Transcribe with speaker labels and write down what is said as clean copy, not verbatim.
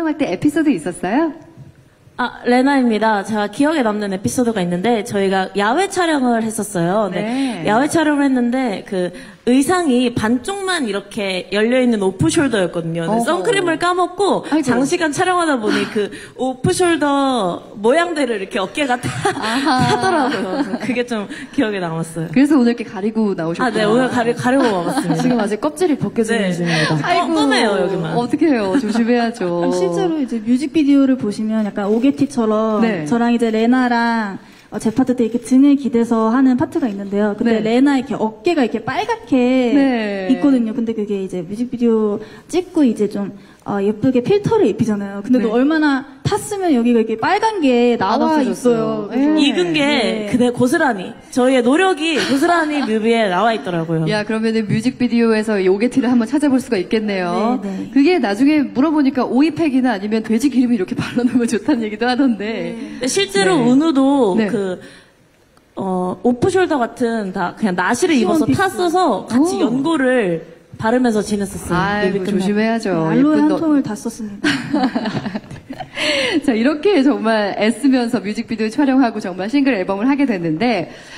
Speaker 1: 촬영할 때 에피소드 있었어요?
Speaker 2: 아, 레나입니다. 제가 기억에 남는 에피소드가 있는데, 저희가 야외 촬영을 했었어요.
Speaker 1: 네.
Speaker 2: 야외 촬영을 했는데, 그, 의상이 반쪽만 이렇게 열려있는 오프숄더였거든요.
Speaker 1: 어허.
Speaker 2: 선크림을 까먹고,
Speaker 1: 아이고.
Speaker 2: 장시간 촬영하다 보니 그 오프숄더 모양대로 이렇게 어깨가 타더라고요. 그게 좀 기억에 남았어요.
Speaker 1: 그래서 오늘 이렇게 가리고 나오셨구나.
Speaker 2: 아, 네, 오늘 가리고 와봤습니다.
Speaker 3: 지금 아직 껍질이 벗겨지는
Speaker 2: 네.
Speaker 3: 중입니다.
Speaker 1: 아이고,
Speaker 2: 껌해요, 여기만.
Speaker 1: 어떻게 해요? 조심해야죠.
Speaker 4: 실제로 이제 뮤직비디오를 보시면 약간 오게티처럼
Speaker 1: 네.
Speaker 4: 저랑 이제 레나랑 제 파트 때 이렇게 등을 기대서 하는 파트가 있는데요. 근데
Speaker 1: 네.
Speaker 4: 레나 이렇게 어깨가 이렇게 빨갛게
Speaker 1: 네.
Speaker 4: 있거든요. 근데 그게 이제 뮤직비디오 찍고 이제 좀 예쁘게 필터를 입히잖아요. 근데 또
Speaker 1: 네.
Speaker 4: 얼마나 탔으면 여기가 이렇게 빨간 게 나와
Speaker 1: 없어졌어요.
Speaker 4: 있어요. 그래서
Speaker 1: 네.
Speaker 2: 익은 게 그대 고스란히 저희의 노력이 고스란히 뮤비에 나와 있더라고요.
Speaker 1: 야, 그러면은 뮤직비디오에서 이 오게티를 한번 찾아볼 수가 있겠네요.
Speaker 4: 네, 네.
Speaker 1: 그게 나중에 물어보니까 오이팩이나 아니면 돼지 기름을 이렇게 발라놓으면 좋다는 얘기도 하던데.
Speaker 2: 근데 실제로
Speaker 1: 네.
Speaker 2: 은우도
Speaker 1: 네.
Speaker 2: 오프숄더 같은 다 그냥 나시를 입어서
Speaker 4: 시원
Speaker 2: 탔어서 같이
Speaker 1: 오.
Speaker 2: 연고를 바르면서 지냈었어요.
Speaker 1: 아이고,
Speaker 2: 뮤비 끝나고.
Speaker 1: 조심해야죠.
Speaker 4: 알로에
Speaker 1: 예쁜
Speaker 4: 한
Speaker 1: 너-
Speaker 4: 통을 다 썼습니다.
Speaker 1: 자, 이렇게 정말 애쓰면서 뮤직비디오 촬영하고 정말 싱글 앨범을 하게 됐는데,